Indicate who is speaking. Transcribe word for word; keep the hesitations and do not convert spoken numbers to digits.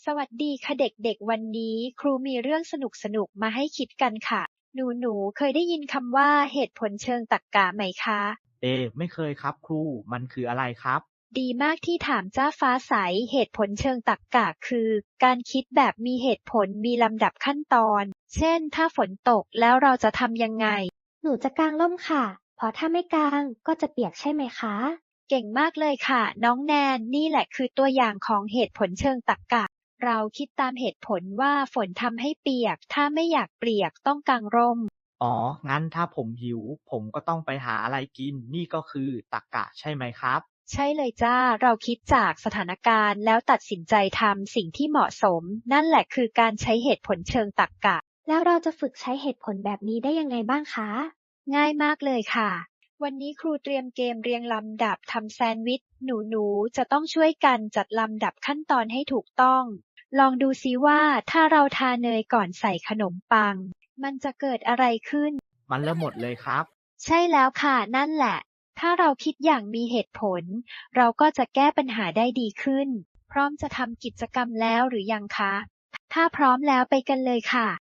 Speaker 1: สวัสดีค่ะเด็กๆวันนี้ครูมีเรื่องสนุกๆมาให้คิดกันค่ะหนูๆเคยได้ยินคำว่าเหตุผลเชิงตรรกะไหมคะ
Speaker 2: เอไม่เคยครับครูมันคืออะไรครับ
Speaker 1: ดีมากที่ถามจ้าฟ้าใสเหตุผลเชิงตรรกะคือการคิดแบบมีเหตุผลมีลำดับขั้นตอนเช่นถ้าฝนตกแล้วเราจะทำยังไง
Speaker 3: หนูจะกางร่มค่ะ เพราะถ้าไม่กางก็จะเปียกใช่ไหมคะ
Speaker 1: เก่งมากเลยค่ะน้องแนนนี่แหละคือตัวอย่างของเหตุผลเชิงตรรกะเราคิดตามเหตุผลว่าฝนทำให้เปียกถ้าไม่อยากเปียกต้องกางร่ม
Speaker 2: อ๋องั้นถ้าผมหิวผมก็ต้องไปหาอะไรกินนี่ก็คือตรรกะใช่ไหมครับ
Speaker 1: ใช่เลยจ้าเราคิดจากสถานการณ์แล้วตัดสินใจทำสิ่งที่เหมาะสมนั่นแหละคือการใช้เหตุผลเชิงตรรกะ
Speaker 3: แล้วเราจะฝึกใช้เหตุผลแบบนี้ได้ยังไงบ้างคะ
Speaker 1: ง่ายมากเลยค่ะวันนี้ครูเตรียมเกมเรียงลำดับทำแซนด์วิชหนูๆจะต้องช่วยกันจัดลำดับขั้นตอนให้ถูกต้องลองดูซิว่าถ้าเราทาเนยก่อนใส่ขนมปังมันจะเกิดอะไรขึ้น
Speaker 2: มันเริ่มหมดเลยครับ
Speaker 1: ใช่แล้วค่ะนั่นแหละถ้าเราคิดอย่างมีเหตุผลเราก็จะแก้ปัญหาได้ดีขึ้นพร้อมจะทำกิจกรรมแล้วหรือยังคะถ้าพร้อมแล้วไปกันเลยค่ะ